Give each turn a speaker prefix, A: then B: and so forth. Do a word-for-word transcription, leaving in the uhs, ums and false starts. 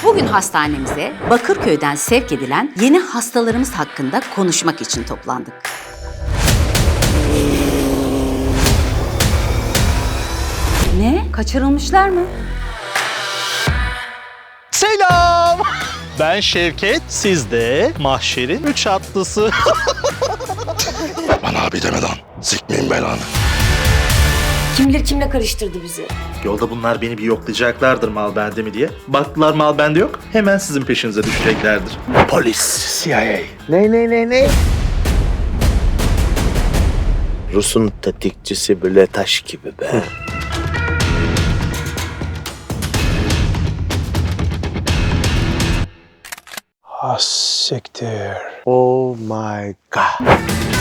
A: Bugün hastanemize Bakırköy'den sevk edilen yeni hastalarımız hakkında konuşmak için toplandık. Ne? Kaçırılmışlar mı?
B: Selam. Ben Şevket, siz de mahşerin üç atlısı.
C: Bana abi deme lan. Sikmeyin belanı.
D: Kim bilir kimle karıştırdı bizi.
B: Yolda bunlar beni bir yoklayacaklardır mal bende mi diye. Baktılar mal bende yok, hemen sizin peşinize düşeceklerdir.
C: Polis, C I A.
E: Ne ne ne ne? Rus'un tetikçisi böyle taş gibi be.
F: Ha siktir.
E: Oh my god.